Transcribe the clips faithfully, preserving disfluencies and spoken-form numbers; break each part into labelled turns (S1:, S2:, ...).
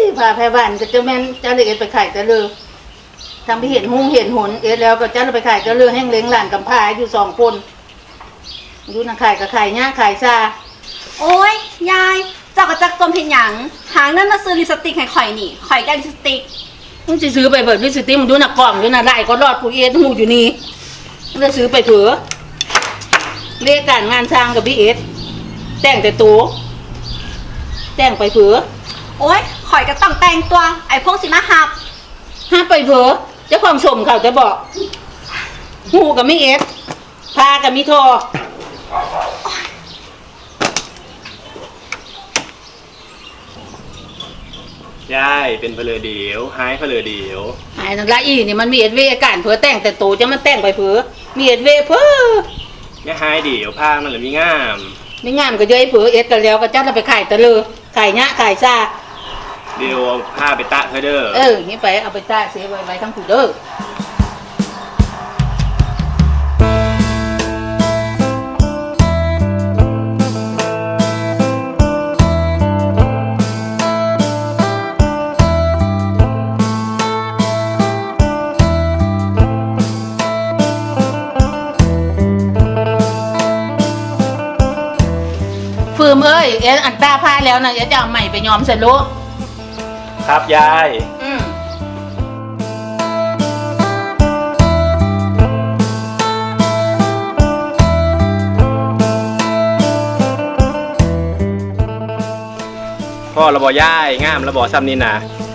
S1: พาแพร่บ้านก็จะแม่นเจ้าเลยเอ็ดไปขายแต่เลยทำไปเห็นหุ้งเห็นหนเอ็ดแล้วก็เจ้าไปขายแต่เลยแห้งเล้งหลานกำพร้าอยู่สองคนอยู่นักขายกับขายหญ้าขายซา
S2: โอ้ยยายเจ้าก็จักจมเพียงหยังหาเงินมาซื้อลิปสติกให้ข่อยนี่ข่อยแก้ลิปสติก
S1: มึงจะซื้อไปเบิดลิปสติกมึงดูหนักกล่องอยู่น่ะไล่ก็รอดผู้เอ็ดหูอยู่นี่มึงจะซื้อไปเผื่อเรียกการงานสร้างกับพี่เอ็ดแต่งแต่ตัวแต่งไปเผื่อ
S2: โอ้ยข่อยก็ต้องแต่งตัวไอ้พวกสิมาหับ
S1: ห้ามไปเผื่อเจ้าของสมเขาจะบอกหูกับไม่เอ็ดพากับมิท
S3: อยายเป็นเพลอเดียวหายเพลอเดียว
S1: หายนั่นละอีนี่มันมีเอ็ดเวอาการเผื่อแต่งแต่ตัวจะมันแต่งไปเผื่อมีเอ็ดเวเผื่อ
S3: เนี่ยหายเดียวผ้ามันเลยมีงาม
S1: ไม่งามก็เยอะเผื่อเอ็ดกันแล้วก็จัดเราไปขายตะเลอขายเนี้ยขายซา
S3: เดี๋ยวผ้าไปตะเธอเด้อ
S1: เออนี่ไปเอาไปตะเสียไว้ไว้ทั้งผู้เด้อฟืมเอ้ยเอ็นอันตาผ้าแล้วนะเอ็นจะเอาใหม่ไปย้อมเสร็จลูก
S3: ครับยาย
S1: อืม
S3: พ่อระบอย่ายงามระบอซ้ำนี่นะ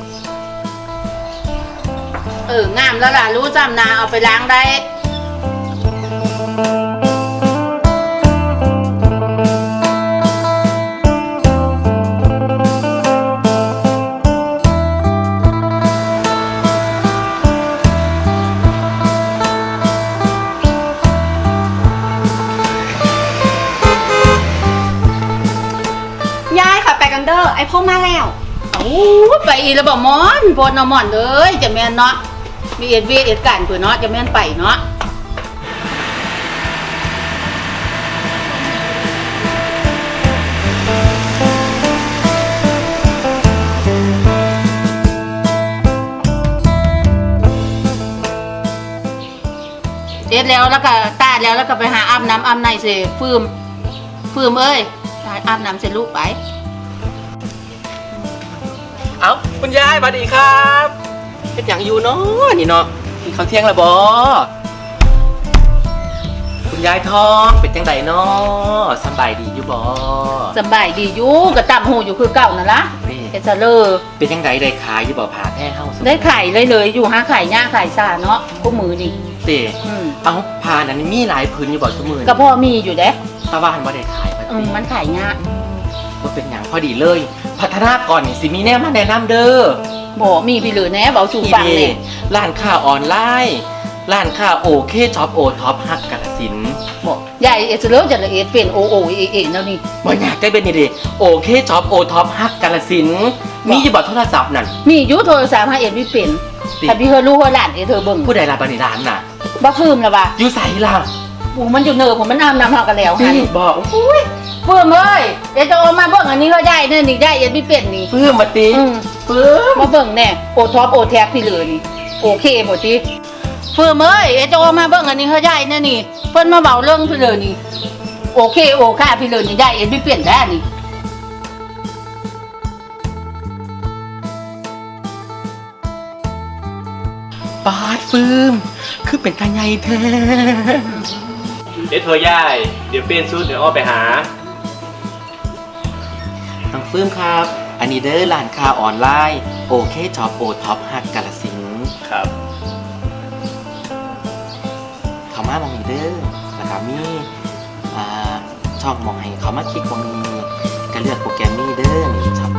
S1: เอองามแล้วล่ะรู้จำนาเอาไปล้างได้
S2: กันเด้อไอพ่อมาแล้ว
S1: โอ้ไปอีแล้วบอกมอนโพดนมอนเลยจะแม่นเนาะมีเอ็ดวีเอ็ดการเผื่อเนาะจะแม่นไปเนาะเอ็ดแล้วแล้วก็ตาแล้วแล้วก็ไปหาอาบน้ำอาบในเสฟืมฟืมเอ้ยอาบน้ำเสร็จลูกไป
S4: เอาคุณยายสวัสดีครับเป็นอย่างอยู่เนาะนี่เนาะกินข้าวเที่ยงแล้วบอคุณยายทองเป็นจังไดเนาะสบายดีอยู่บอ
S1: สบายดีอยู่กระตับหูอยู่คือเก่านั่นละเอเจเลอร์
S4: เป็นจังไดได้ขายอยู่บอผ่าแท้เฮา
S1: ได้ขายเลยเลยอยู่ห้าขายหญ้าขายซาเนาะกูมือดิ
S4: เต๋เอาผ่านั้นมีหลายพื้นอยู่บอสมือ
S1: ก็พ่อมีอยู่เด้
S4: ตาบ้านว่าได้ขาย
S1: อืมมันขายหญ้า
S4: ว่าเป็นอย่างพอดีเลยพัฒนาก่อนนี่สิมีแน่มาแนะนำเด้อ
S1: บอกมีพี่เหลือแน่บอกสู่ฟังเลย
S4: ร้านค้าออนไลน์ร้านค้าโอเคช็อปโอท็อปฮักกาฬสินธุ์
S1: บอกใหญ่เอสเลอร์จะละเอียดเป็นโอโอเอเอแล้วนี่
S4: บ่อยากได้เป็นนี่ดิโอเคช็อปโอท็อปฮักกาฬสินธุ์มีอยู่บ่โทรศัพท์นั่น
S1: มีอยู่โทรศัพท์ให้เอ็ดไม่เป็นแต่พี่เธอรู้ว่าหลานเอเธอเบิ่ง
S4: ผู้ใดล่ะบัดนี้ร้านน่ะ
S1: บ้าฟืมล่ะบ่
S4: อยู่ไสล่ะ
S1: ปู่มันอยู่เนอผมมันอาบน้ำหากันแล้ว
S4: ค่ะบอกอุ้ย
S1: ฟืมเอ้ยเดี๋ยวจะเอามาเบิ่งอันนี้ก็ได้เนี่ยนี่ได้เอ็ดไม่เป็นนี่
S4: ฟืมมาตี
S1: ฟืมมาเบิ่งแน่โอท็อปโอแท็กพี่เลยนี่โอเคหมดทีฟืมเอ้ยเดี๋ยวจะเอามาเบิ่งอันนี้ก็ได้เนี่ยนี่เพิ่นมาเบาเรื่องพี่เลยนี่โอเคโอค่าพี่เลยนี่ได้เอ็ดไม่เป็นได้นี่
S4: ปาดฟืมคือเป็นตาใหญ่แท้
S3: เดี๋ยวโทรย่ายเดี๋ยวเปลี่ยนชุดเดี๋ยวอ้อไปหา
S4: น้องฟืมครับอันนี้เด้อร้านค้าออนไลน์โอเคช็อปโอท็อปฮักกาฬสินธุ์
S3: ครับ
S4: เขามามองนี่เด้อแล้วก็มีอ่าช่องมองให้เขามาคลิกมองนี้ก็เลือกโปรแกรมนี้เด้อนี่ช็อป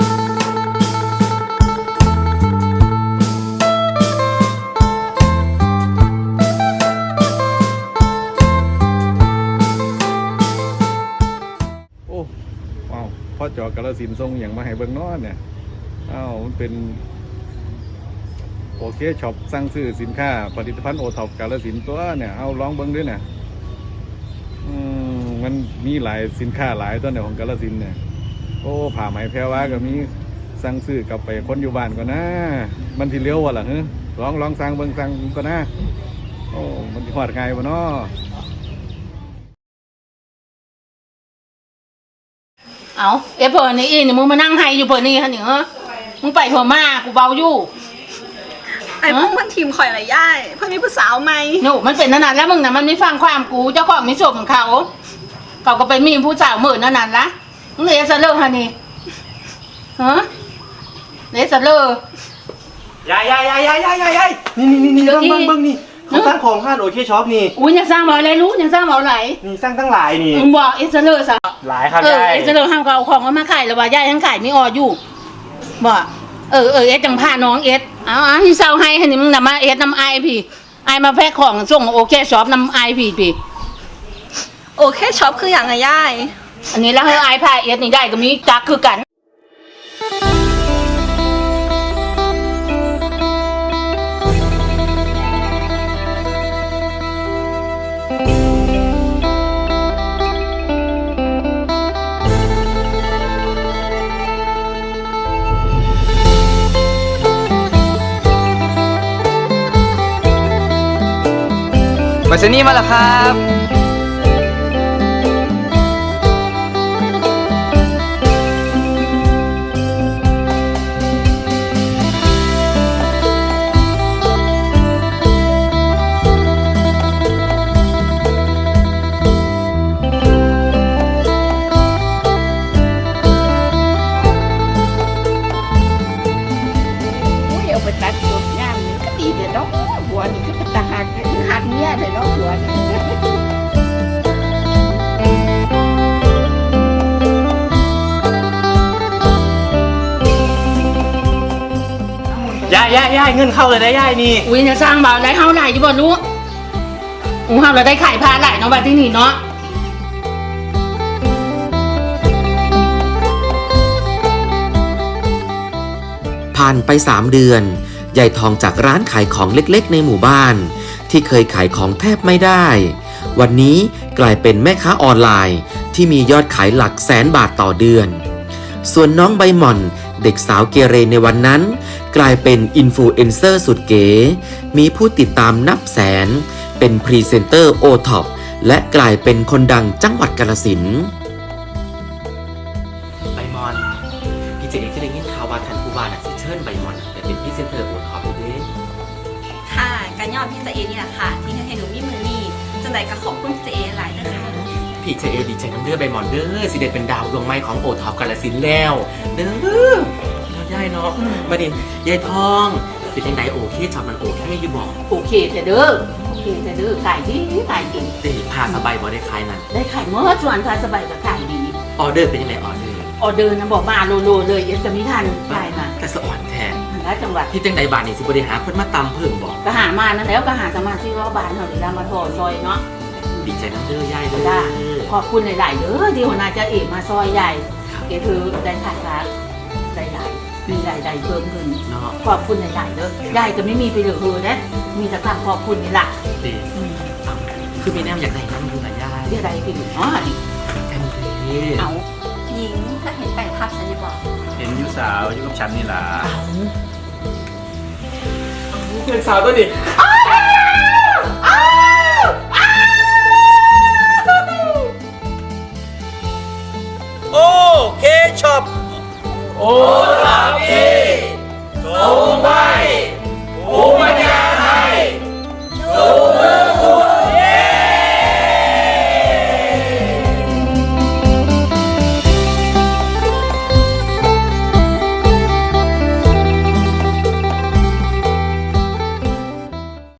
S5: พ่อจอกาฬสินธุ์ทรงอย่างมาให้เบิ่งนอนเนี่ยอ้าวมันเป็นโอเคช็อปสั่งซื้อสินค้าผลิตภัณฑ์โอท็อปกาฬสินธุ์ตัวเนี่ยเอาลองเบิ่งด้วยเนี่ยอืมมันมีหลายสินค้าหลายตัวเนี่ยของกาฬสินธุ์เนี่ยโอ้ผ้าไหมแพรวาก็มีสั่งซื้อกลับไปคนอยู่บ้านก่อนนะมันที่เลี้ยววะล่ะเฮ้ลองลองสั่งเบิ่งสั่งก่อนนะโอ้มันที่หอดไงวะเนาะ
S1: เอาเอฟเพิ่นนี่อีนี่มึงมานั่งไห้อยู่เพิ่นนี่ฮะนี่เหรอมึงไปหัวมากูเบาอยู่
S2: ไอ้พวกมันทีมข่อยละยายเพื่อนมีผู้สาวไหม
S1: โน่มันเป็นนั่นน่ะแล้วมึงน่ะมันไม่ฟังความกูเจ้าของมิโซของเขาเขาก็ไปมีผู้สาวหมื่นนั่นน่ะละมึงเลยซะเลิกฮะนี่ฮะเลยซะเลิก
S3: ยายยายยายยายยายยายยายนี่นี่นี่
S1: เดี๋ยว
S3: เบิ้ง
S1: อี
S3: เบิ้งเบิ้งนี่เขาสร้างของห้านโอเคช็อปนี่
S1: อุ้ยยังสร้างบ่อะไรรู้ยังสร้างบ่อะไร
S3: นี่สร้างตั้งหลายนี่
S1: มึงบอกเอสเลอร์ซะ
S3: หลายครับ
S1: เออย
S3: าย
S1: เอสเลอร์ห้ามเขาเอาของมาขายแล้วว่าย่ายังขายไม่อออยู่บอกเออเออเอสจังพาน้องเอสเอาเอาที่เศร้าให้ให้นี่มึงนำมาเอสนำไอพี่ไอมาแพ็คของส่งโอเคช็อปนำไอพี่พี่
S2: โอเคช็อปคืออย่างไรยาย
S1: อันนี้แล้วให้ไอพาเอสนี่ได้ก็มีจักคือกัน
S6: ไปสนี่มาแล้วครับ
S1: อุ้ยเอาไปตัดตัวงามนี่ก็ดีเด้อเนาะหัวนี่คือเป็นตาหักหักเมียเด้อเนาะหัวนี่
S3: ยายยายยายเงินเข้าเลยนะยายนี่
S1: อุ้ยเนี่ยสร้างบ่าวไรเฮาหลายอยู่บ่รู้อู้เฮาเราได้ขายผ้าหลายเนาะบัดที่นี่เนาะ
S7: ผ่านไปสามเดือนยายทองจากร้านขายของเล็กๆในหมู่บ้าน ที่เคยขายของแทบไม่ได้ วันนี้กลายเป็นแม่ค้าออนไลน์ที่มียอดขายหลักแสนบาทต่อเดือน ส่วนน้องใบหม่อนเด็กสาวเกเรในวันนั้น กลายเป็นอินฟลูเอนเซอร์สุดเก๋มีผู้ติดตามนับแสน เป็นพรีเซนเตอร์โอท็อปและกลายเป็นคนดังจังหวัดกาฬสินธุ์
S4: ใบมอนพี่เจเองก็ได้ยินข่าวว่าท่านผู้ว่าน่ะสิเชิญใบมอนไปเป็นพรีเซนเตอร์โอท็อปด้วย
S2: ค่ะการยอดพี่เจเอนี่แหละค่ะ ที่ให้หนูมีมือนี่จังใดก็ขอบคุณพี่เจเอหลายนะคะ
S4: พี่เจเอดีใจน้ำเด้อใบมอนเด้อสิได้เป็นดาวดวงไม้ของโอท็อปกาฬสินธุ์แล้วเด้อแล้วยายเนาะมาดินยายทองเป็นยังไงโอเคช็อปมันโอเคอยู่บอก
S1: โอเคแต่เด้อโอเคแต่เด้อขายดีขายดี
S4: เด้พาสบายบ่ได้ขายนั่น
S1: ได้ขายเมื่อส่วนพาสบายก็ขายดี
S4: ออเดอร์เป็นยังไงออเดอร์
S1: ออเดอร์นะบอกมาโลโลเลยเอสจะไม่ทันได้มา
S4: แต่สะอ่อนแท้
S1: แล้วจังหวัด
S4: ที่จังใดบาทนี่สิบริหารคนมาตำเพิ่มบอก
S1: ก็หามานั่นแล้วก็หาสมาชิกรอบบานเขาเลยมาโทรซอยเนาะ
S4: ดีใจน้ำเด้อยายเด้อ
S1: ได้ขอบคุณหลายๆเด้อที่หัวหน้าจะเอกมาซอยใหญ่เกถือได้ขายร้านได้ใหญ่มีรายได้เพิ่มขึ้น
S4: เนาะ
S1: ขอบคุณหลายๆเด้อยายก็ไม่มีไปเหลือเฮือนะมีแต่คำขอบคุณนี่แหละ
S4: ดี
S1: อืม
S4: คือมีแนมอยากได้น้ำดูหน่อยยาย
S1: เรียกอะไรไปดูอ๋อนี่
S4: แทนดี
S1: เอา
S2: หญิงถ้าเห็นแปลงภาพฉันจะบอก
S3: เห็นยูสาวอยู่กับฉันนี่ล่ะ
S4: เพื่อนสาวตัวนี้
S1: อ๋อ